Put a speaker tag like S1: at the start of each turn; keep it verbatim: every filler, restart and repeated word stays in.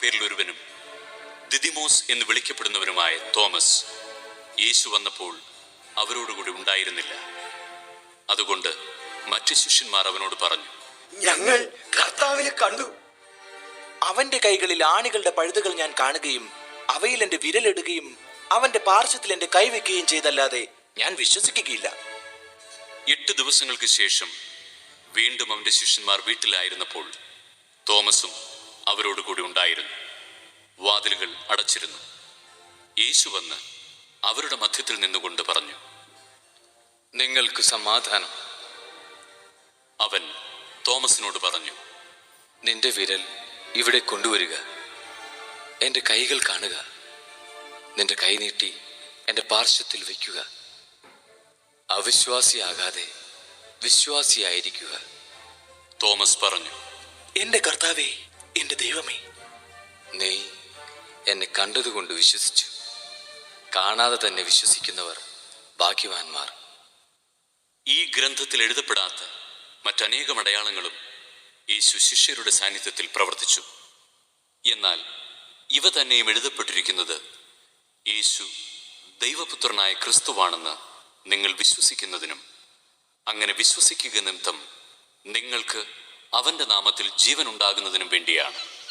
S1: പേരിൽ ഒരുവനും ദിദിമോസ് എന്ന് വിളിക്കപ്പെടുന്നവനുമായ തോമസ് യേശു വന്നപ്പോൾ അവരോടുകൂടി ഉണ്ടായിരുന്നില്ല. അതുകൊണ്ട് മറ്റു ശിഷ്യന്മാർ അവനോട് പറഞ്ഞു,
S2: ഞങ്ങൾ കർത്താവിനെ കണ്ടു.
S3: അവന്റെ കൈകളിൽ ആണികളുടെ പഴുതുകൾ ഞാൻ കാണുകയും അവയിൽ എന്റെ വിരലിടുകയും അവന്റെ പാർശ്വത്തിൽ എന്റെ കൈവയ്ക്കുകയും ചെയ്തല്ലാതെ ഞാൻ വിശ്വസിക്കുകയില്ല.
S1: എട്ട് ദിവസങ്ങൾക്ക് ശേഷം വീണ്ടും അവന്റെ ശിഷ്യന്മാർ വീട്ടിലായിരുന്നപ്പോൾ തോമസും അവരോടുകൂടി ഉണ്ടായിരുന്നു. വാതിലുകൾ അടച്ചിരുന്നു. യേശു വന്ന് അവരുടെ മധ്യത്തിൽ നിന്നുകൊണ്ട് പറഞ്ഞു,
S4: നിങ്ങൾക്ക് സമാധാനം.
S1: അവൻ തോമസിനോട് പറഞ്ഞു,
S4: നിന്റെ വിരൽ ഇവിടെ കൊണ്ടുവരിക, എൻ്റെ കൈകൾ കാണുക. നിന്റെ കൈ നീട്ടി എൻ്റെ പാർശ്വത്തിൽ വയ്ക്കുക. അവിശ്വാസിയാകാതെ വിശ്വാസിയായിരിക്കുക.
S1: തോമസ് പറഞ്ഞു,
S3: എന്റെ കർത്താവേ, എന്റെ ദൈവമേ.
S4: നീ എന്നെ കണ്ടതുകൊണ്ട് വിശ്വസിച്ചു. കാണാതെ തന്നെ വിശ്വസിക്കുന്നവർ ഭാഗ്യവാന്മാർ.
S1: ഈ ഗ്രന്ഥത്തിൽ എഴുതപ്പെടാത്ത മറ്റനേകം അടയാളങ്ങളും യേശു ശിഷ്യരുടെ സാന്നിധ്യത്തിൽ പ്രവർത്തിച്ചു. എന്നാൽ ഇവ തന്നെയും എഴുതപ്പെട്ടിരിക്കുന്നത് യേശു ദൈവപുത്രനായ ക്രിസ്തുവാണെന്ന് നിങ്ങൾ വിശ്വസിക്കുന്നതിനും അങ്ങനെ വിശ്വസിക്കുക നിമിത്തം നിങ്ങൾക്ക് അവന്റെ നാമത്തിൽ ജീവൻ ഉണ്ടാകുന്നതിനും വേണ്ടിയാണ്.